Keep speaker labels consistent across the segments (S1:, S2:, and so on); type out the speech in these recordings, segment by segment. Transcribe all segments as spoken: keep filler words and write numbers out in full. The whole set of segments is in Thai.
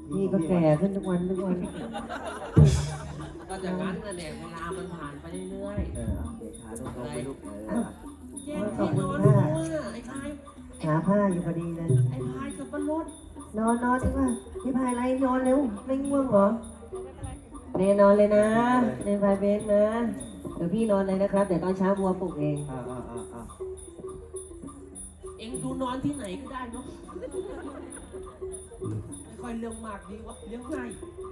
S1: พี่ก็แก่ขึ้นทุกวันทุกวัน
S2: ก็จากนั้นนั่นแหละเวลามันผ่านไปเรื่อย
S3: เออเอาเด็กขาตรงๆไปลูกเออ
S2: ๆแย่งที่นอนรู้อ่ะไอ้พาย
S1: หาผ้าอยู่พอดีเลย
S2: ไอ้พายกับปลด
S1: นอนนอนดีกว่าพี่พายไรนอนเร็วไม่ง่วงเหรอเนนอนเลยนะเนนพายเบสนะเดี๋ยวพี่นอนเลยนะครับเดี๋ยวตอนเช้าบัวปลุกเอง
S3: อ่าอ่าอ่าอ่า
S2: เอ็งดูนอนที่ไหนก็ได้เนาะไม่ค่อยเรื่องมากดีวะเลี้ยงง่าย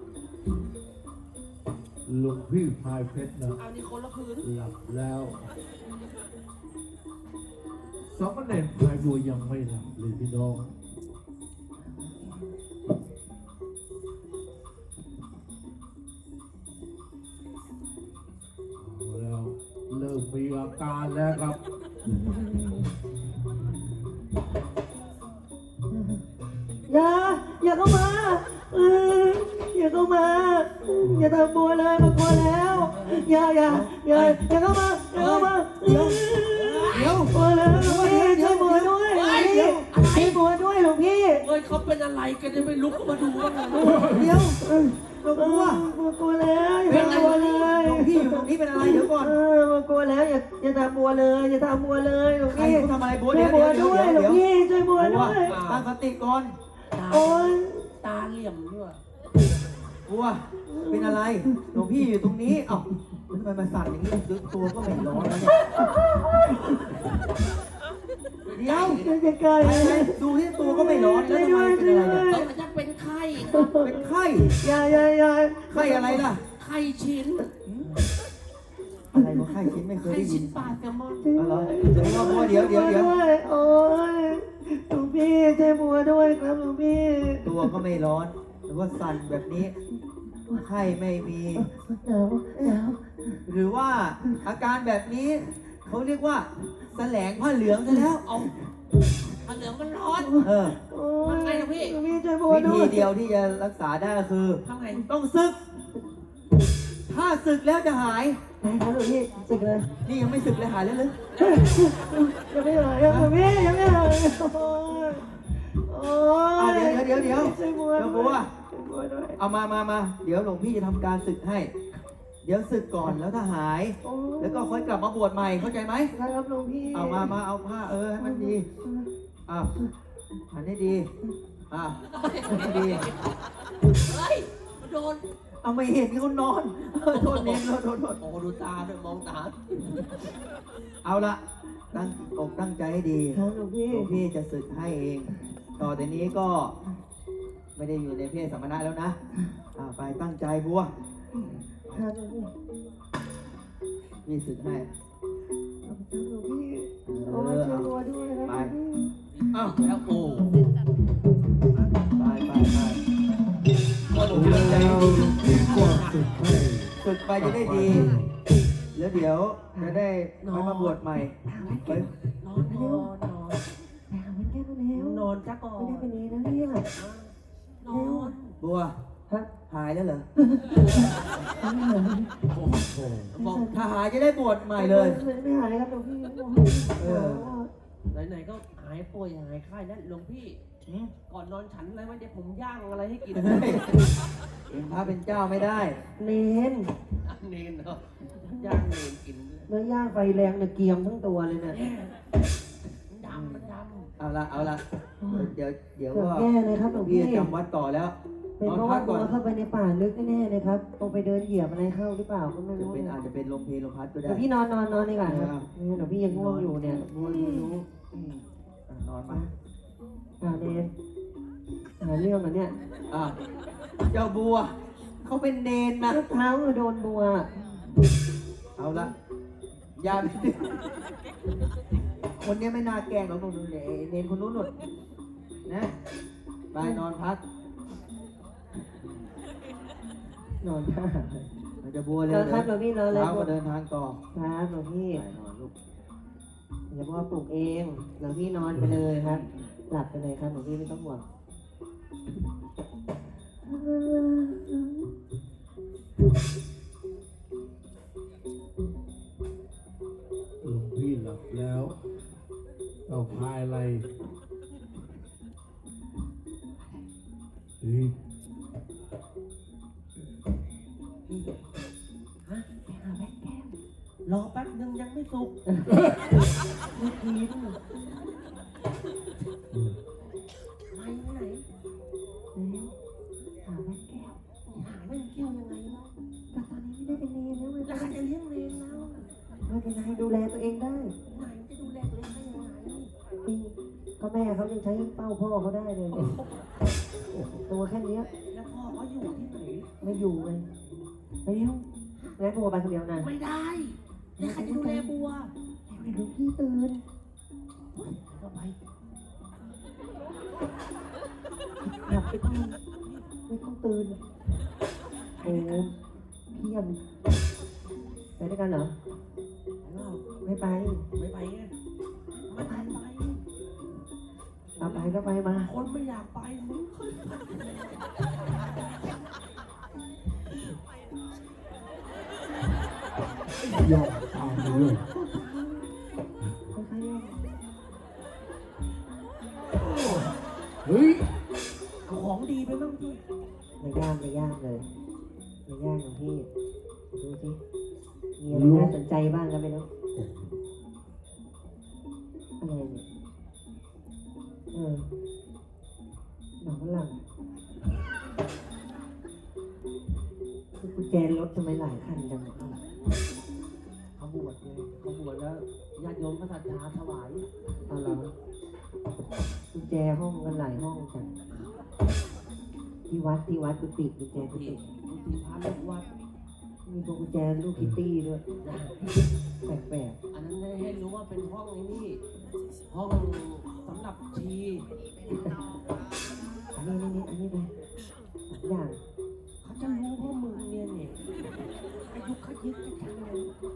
S4: หลวงพี่พายเพชรนะ
S2: เอานี่คนละคืน
S4: หลับแล้วสามเณรพายบัวยังไม่หลับเลยพี่น้องเอาแล้วเริ่มมีอาการแล้วครับ
S1: อย่าอย่าเข้ามาเอออย่าเข้ามา อย่าทำบัวเลยมากลัวแล้วอย่าอย่าอย่าอย่าเข้ามาอย่าเข้ามาเดี๋ยวเดี๋ยวบัวแล้วหลวงพี่ช่วยบัวด้วยหลวงพี่ช่วยบัวด้วยหลวงพี่
S2: เอ้ยเขาเป็นอะไรกันจะไม่ลุกขึ้นมาดูกันเลย
S3: เดี๋ยวหลวง
S1: กลั
S3: พ่
S1: ว
S3: อก
S1: ลัวแล้วอย่า
S3: เป็น
S1: ทำ
S3: อะไร
S1: บัวเลย
S3: หลวงพี่อยู่ตรงนี้เป็นอะไรเดี๋ยวก่อน
S1: เออมากลัวแล้วอย่าอย่าทำบัวเลยอย่าทำบัวเลยหลวง
S3: ใคร
S1: พี่
S3: เขาทำอะไรบัว
S1: ช่
S3: เดี๋
S1: วย
S3: ยว
S1: บัว
S3: เดี๋ยว
S1: ด้วยหลว
S3: เดี๋
S1: ง
S3: ยว
S1: พี่ช่วยบัว
S3: บัว
S1: ด้วย
S3: ตั้งสติก่อน
S1: โอ๊ย
S2: ตาเหลี่ยมด้วย
S3: บัวเป็นอะไรหลวงพี่อยู่ตรงนี้เอ้าทำไมมาสั่นอย่างนี้ตัวก็ไม่ร้อนแล้วเนี่ยเดี๋ยว
S1: ช่วยใกล้
S3: ไป
S1: ๆ
S3: ไปดูที่ตัวก็ไม่ร้อนแล้วทำไมเป็นอะไรเนี่ย
S2: เขาจะเป็นไข้ครับ
S3: เป็นไข้
S1: อย่าอย่าอย่า
S3: ไข้อะไรล่ะ
S2: ไข้ชิ้น
S3: อะไรวะไข้ชิ้นไม่เคย
S2: ไข้
S3: ได้ยิ
S2: ชิ้
S3: น
S2: นปลาแซลมอน
S3: เอาเหรอเดี๋ยวบัวเดี๋ยวเดี๋ยวเดี๋ยว
S1: โอ๊ยหลวงพี่ช่วยบัวด้วยครับหลวงพี่
S3: ตัวก็ไม่ร้อนหรือว่าสั่นแบบนี้ไข้ไม่มี
S1: หนาวหนาว
S3: หรือว่าอาการแบบนี้เขาเรียกว่าแสลงผ้าเหลืองซะแล้ว
S2: เอาผ้าเหลืองมันร้อน
S3: เออ
S1: โอ๊ย
S2: ทำไงอะพี่
S1: หลวงพี่ช่วยบัว
S3: วิ
S1: ด้
S3: ธี
S1: วย
S3: เดียวที่จะรักษาได้ก็คือ
S2: ทำไง
S3: ต้องศึก ถ้าศึกแล้วจะหาย
S1: ได้ครับหลวงพี่สึกเลย
S3: นี่ยังไม่ศึกเลยหายแล้วหรือ
S1: ยังไม่หายครับหลวงพี่ยังไม่หายโอ๊ยโอ๊
S3: อ่ะ
S1: ย
S3: เดี๋ยวเดี๋ยวเดี๋ยว
S1: ช่วยบัว
S3: เดี๋ยว
S1: ด้
S3: บั
S1: ว
S3: วย
S1: ช่วยบัวด้วย
S3: เอามามามาเดี๋ยวหลวงพี่จะทำการศึกให้ เดี๋ยวศึกก่อนแล้วถ้าหาย
S1: โอ๊ย
S3: แล้วก็ค่อยกลับมาบวชใหม่เข้าใจไหม
S1: ได้ครับหลวงพี่
S3: เอามามาเอาผ้าเออให้มันดีอ้าวหันให้ดีอ้าวหันให้ดี
S2: เฮ้ยมันโดน
S3: เอาไม่เห็นเขานอนเออโทษเน้นโทษโทษโทษ
S2: โอ้ดูตาด้วยมองตา
S3: เอาละตั้งอกตั้งใจให้ดี
S1: ครับหลวงพี่
S3: หลวงพี่จะศึกให้เอง ต่อแต่นี้ก็ไม่ได้อยู่ในเพศสัมมนาแล้วนะอ่าไปตั้งใจบัว
S1: ครับหลวงพี่
S3: พี่ศึกให้
S1: ขอบคุณหลวงพี่โอ้ยช่วยบัวด้วยครับหลวงพี่
S2: อ้าวแล้วโอ้
S3: ไปไปไป
S2: ก็หนู
S4: แล้
S2: ตั้งใจ
S4: ว
S2: ดี
S4: พี่ก็สุดให้
S3: ฝึกไปจะได้ดี แล้วเดี๋ยวจะได้ไปมาบวชใหม่ไป
S2: นอนนอนนอน
S1: ไปหาวันแก้วแล้ว
S2: นอนจ้ะก่อน
S1: ไม่ได้เป็นนี้นะเนี่ย
S2: นอน
S3: บัว
S1: ฮะ
S3: หายแล้วเหรอ
S2: โอ้โหบอก
S3: ถ้าหายจะได้บวชใหม่เลย
S1: ไม่หายครับหลวงพี่
S3: เออ
S2: ไหนๆก็หายป่วยหายไข้แล้วหลวงพี่
S3: หืม
S2: ก่อนนอนฉันอะไรไว้เดี๋ยวผมย่างอะไรให้กิน
S3: เฮ้ยเองพระเป็นเจ้าไม่ได้
S1: เนน
S2: เนนเนาะย่างเนนกินเลย
S1: เนื้อย่างไฟแรงเนี่ยเกรียมทั้งตัวเลยเนี่ย
S2: มันดำมันด
S3: เอาละเอาละเดี๋ยวเดี๋ยว
S1: เกือบ
S3: ก็
S1: แย่เลยครับหลวง
S3: พี่
S1: พี่
S3: จะจำวัดต่อแล้ว
S1: เป็นเพราะว่าตัวเข้าไปในป่าลึกแน่ๆเลยครับลงไปเดินเหยียบอะไรเข้าหรือเปล่าก็ไม่
S3: จะ
S1: รู้
S3: เป็น
S1: เนี่ย
S3: อาจจะเป็นลมเพลลมพัดก็ได้
S1: เดี๋ยวพี่นอนนอนนอนดีกว่าครับ
S3: ครับ
S1: เดี๋ยวพี่ยังง่วงอยู่เนี่ยง่วงไม่รู้
S3: อืมอ่ะนอนมา
S1: อ่าเนนหาเรื่องเหรอเนี่ย
S3: อ่ะเจ้าบัว เขาเป็นเนนนะ
S1: เท้าโดนบัว
S3: เอาละอย่าไปดื้อคนเนี้ยไม่น่าแกล้งหรอกนู่นนู่นเนี่ยไอ้เนนคนนู้นนู่นนะไปนอนพัก
S1: นอนท่า
S3: เราจะบัวเลย
S1: นอนครับหลวงพี่นอนเลย
S3: เช้าก็เดินทางต่อ
S1: ครับหลวงพี่
S3: ไปนอนลูก
S1: เดี๋ยวพ่อปลุกเองหลวงพี่นอนไปเลยครับ หลับไปเลยครับหลวงพี่ไม่ต้องห่วง
S4: หลวงพี่หลับแล้วเอาพายอะไรเฮ้ย
S2: ฮะไปหาแม่แก้วรอแป๊บนึงยังไม่สุกไม่กินไปไหน
S1: แล้วหาแม่แก้ว
S2: หาแม่แก้วยังไงวะ
S1: แต่ตอนนี้ไม่ได้เป็นเนรแล้วไง
S2: แล้วใครจะเลี้ยงเลนแล้ว
S1: ไม่เป็นไรดูแลตัวเองได้
S2: ไหนจะดูแลตัวเองได้ยังไง
S1: นี่ก็แม่เขายังใช้เป้าพ่อเขาได้เลยตัวแค่เนี้ย
S2: แล้วพ่อเขาอยู่ที่ไหน
S1: ไม่อยู่เลยไปเร็วแล้วบัวไปคนเดียวนะ
S2: ไม่ได้แล้วใครจะดูแลบัว
S1: เดี๋ยวพี่ตื่น
S2: ก็ไป
S1: หลับไปก่อนไม่ต้องตื่นโอ้เพี้ยนไปด้วยกันเหรอ ไม่ไป
S2: ไม่ไปไงไม่ไปไป
S1: เอาไปก็ไปมา
S2: คนไม่อยากไปมึงเคยไป
S4: ยอมตามไปเลย
S1: ไปใครอ่ะ
S4: เฮ้ย
S2: เอาของดีไปบ้างพี่
S1: ไม่ยากไม่ยากเลยไม่ยากของพี่ดูสิมีอะไรน่าสนใจบ้างกันไม่รู้อะไรเนี่ยเออหนังฝรั่งคือกุญแจรถทำไมหลายคันจัง
S2: เขาบวชไงเขาบวชแล้วญาติโยมก็ศรัทธาถวาย
S1: เอาเหรอกุญแจห้องกันหลายห้องจังที่วัดที่วัดกุฏิกุญแจกุ
S2: ที่
S1: ฏิ
S2: กุฏิพระลูกวัด
S1: มีพวกกุญแจลูกคิตตี้ด้วยแปลก
S2: อันนั้นให้รู้ว่าเป็นห้องไอ้นี่ ห้องสำหรับชี
S1: ๆอันนี้นี่นี่อันนี้ไปสองอย่าง
S2: เขาจะรู้ว่ามึงเนี่ยเนี่ยอายุขยึกจังเลย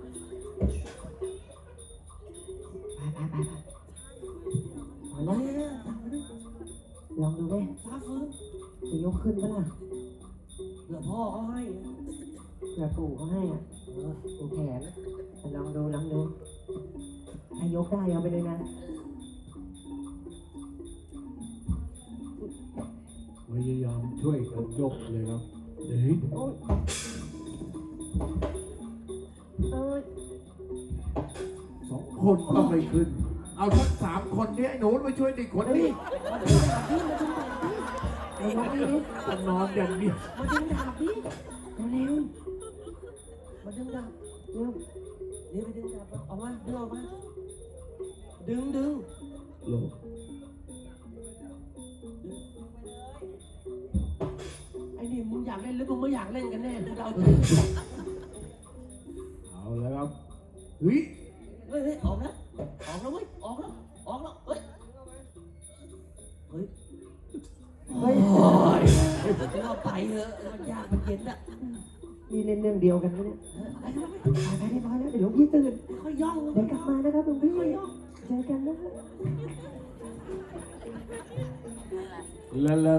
S1: ไปไปไปไปเอา
S2: เฮ้
S1: ละ
S2: ยทำไปด้วย
S1: ลองดูไหม
S2: ฟ้าฟื้น
S1: จะยกขึ้นปะล่ะ
S2: เดี๋ยวพ่อเขาให้
S1: เผื่อปู่เขาให้อ่ะ
S2: เออ
S1: ปู่แขนลองดูลองดูถ้ายกได้เอาไปเลยนะ
S4: พยายามช่วยกันยกเลยครับเฮ้ย
S1: โอ้ยเอ้ย
S4: สองคนก็ไม่ขึ้น เอาทั้งสามคนนี้ไอ้หนูมาช่วยเด็กคนนี้
S1: เอายกนี่ดิ
S4: จะนอนอย่างเดียว
S2: มาดึงดาบพี่
S1: เร็ว
S2: มาดึงดาบ
S1: เร็ว
S2: นี่ไปดึงดาบมาออกมาดึงออกมาดึงดึง
S4: โลก
S2: ไอ้นี่มึงอยากเล่นหรือมึงไม่อยากเล่นกันแน่มึงเราใจ
S4: เอาแล้วครับเฮ้ย
S2: เฮ้ยเฮ้ยออกแล้วออกแล้วเว้ยออกแล้วออกแล้วเฮ้ยเฮ้ย
S1: เฮ้ย
S2: โอ้ยเราไปเถอะมันยากมันเย็นอะ
S1: นี่เล่นเรื่องเดียวกันไหมเนี่ย
S2: ไปเถอะ
S1: ไปไปเรียบร้อยแล้วเดี๋ยวหลวงพี่ตื่น
S2: ค่อยย่อง
S1: เดี๋ยวกลับมานะครับหลวงพี่เจอกันนะ
S4: แล้ว